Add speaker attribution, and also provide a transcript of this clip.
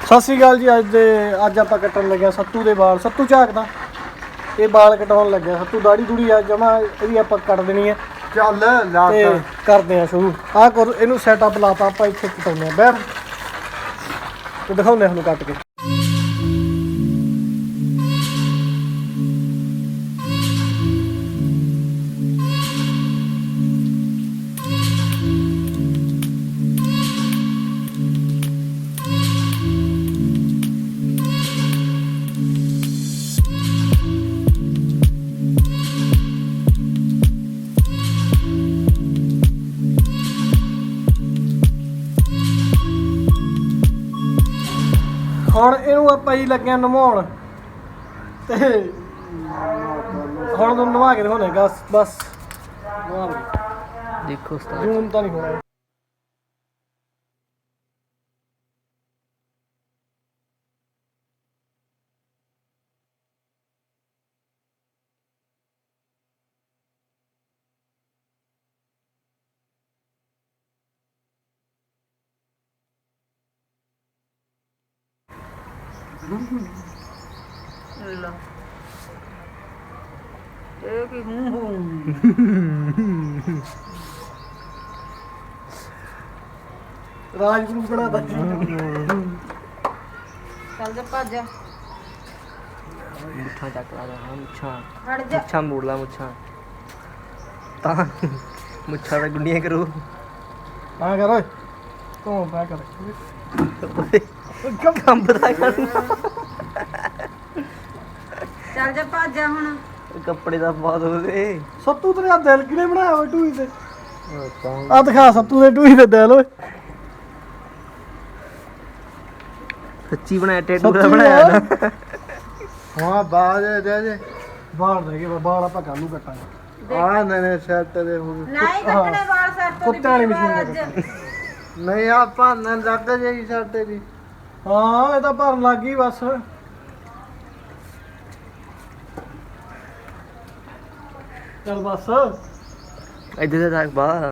Speaker 1: ਸਤਿ ਸ਼੍ਰੀ ਅਕਾਲ ਜੀ। ਅੱਜ ਆਪਾਂ ਕੱਟਣ ਲੱਗਿਆ ਸੱਤੂ ਦੇ ਵਾਲ। ਸੱਤੂ ਝਾਕਦਾ ਇਹ ਵਾਲ ਕਟਾਉਣ ਲੱਗਿਆ। ਸੱਤੂ ਦਾੜੀ ਦੂੜੀ ਆ ਜਮਾ ਇਹਦੀ ਆਪਾਂ ਕੱਟ ਦੇਣੀ ਹੈ।
Speaker 2: ਚੱਲ ਲਾ
Speaker 1: ਤੇ ਕਰਦੇ ਆ ਸ਼ੁਰੂ। ਆਹ ਕਰ ਇਹਨੂੰ ਸੈਟਅਪ ਲਾਤਾ ਆਪਾਂ। ਇੱਥੇ ਕਟਾਉਂਦੇ ਆ ਬੈਠ ਤੇ ਦਿਖਾਉਂਦੇ ਸਾਨੂੰ ਕੱਟ ਕੇ। ਹੁਣ ਇਹਨੂੰ ਆਪਾਂ ਜੀ ਲੱਗਿਆ ਨਵਾਉਣ ਤੇ ਹੁਣ ਨੂੰ ਨਵਾ ਕੇ ਦਿਖਾਉਣੇ ਬਸ ਨਵਾ ਲਓ।
Speaker 3: ਦੇਖੋ ਉਸਤਾਦ
Speaker 1: ਜੂਮ ਤਾਂ ਨਹੀਂ ਹੋਣਾ।
Speaker 3: ਲਾ ਇਹ ਕੀ ਹੂੰ
Speaker 1: ਰਾਜਗੁਰੂ ਬਣਾਤਾ
Speaker 4: ਚੱਲ ਜਾ ਭੱਜ
Speaker 3: ਮੁੱਛਾਂ ਚੱਕ ਲਾ ਮੁੱਛਾਂ
Speaker 4: ਹਟ ਜਾ
Speaker 3: ਮੁੱਛਾਂ ਮੋੜ ਲਾ ਮੁੱਛਾਂ ਤਾਂ ਮੁੱਛਾਂ ਦਾ ਗੁੰਡੀਆਂ ਕਰੂ
Speaker 1: ਆ ਕਰ ਓਏ ਤੂੰ ਪਾ ਕਰ
Speaker 3: ਕੰਮ ਬਤਾ ਕਰਨਾ
Speaker 4: ਚੱਲ ਜਾ ਭੱਜ ਜਾ ਹੁਣ
Speaker 3: ਕੱਪੜੇ ਦਾ ਬਹੁਤ ਹੋਵੇ
Speaker 1: ਸੱਤੂ ਤੇਰੇ ਆ ਦਿਲ ਕਿਨੇ ਬਣਾਇਆ ਓਏ ਟੂਈ ਤੇ ਆ ਦਿਖਾ ਸੱਤੂ ਦੇ ਟੂਈ ਤੇ ਦਿਲ ਓਏ।
Speaker 3: ਸੱਚੀ ਬਣਾਇਆ ਟੈਟੂ ਦਾ
Speaker 1: ਸੱਚੀ
Speaker 3: ਬਣਾਇਆ
Speaker 1: ਆ।
Speaker 3: ਨਾ
Speaker 2: ਹਾਂ ਬਾਜ ਦੇ
Speaker 1: ਬਾਹਰ ਰਹਿ ਗਏ ਬਾਹਰ ਆਪਾਂ ਕੱਲ ਨੂੰ ਕੱਟਾਂਗੇ।
Speaker 2: ਆ ਨਨੇ ਸੈੱਟ ਦੇ ਹੁਣ
Speaker 4: ਨਹੀਂ ਕੱਟਣੇ ਵਾਲ ਸਿਰ ਤੋਂ
Speaker 1: ਕੁੱਤਿਆਂ ਵਾਲੀ ਮਸ਼ੀਨ
Speaker 4: ਅੱਜ।
Speaker 1: ਦੇ ਕੱਟਾਂਗੇ।
Speaker 2: ਨਹੀਂ ਆਪਾਂ ਨਾ ਲੱਗ ਜਾਈ ਸਾਡੇ ਦੀ
Speaker 1: ਹਾਂ ਇਹ ਤਾਂ ਭਰਨ ਲੱਗ ਗਈ ਬਸ। ਚੱਲ ਬਸ
Speaker 3: ਇੱਧਰ ਦੇ ਤੱਕ ਬਾ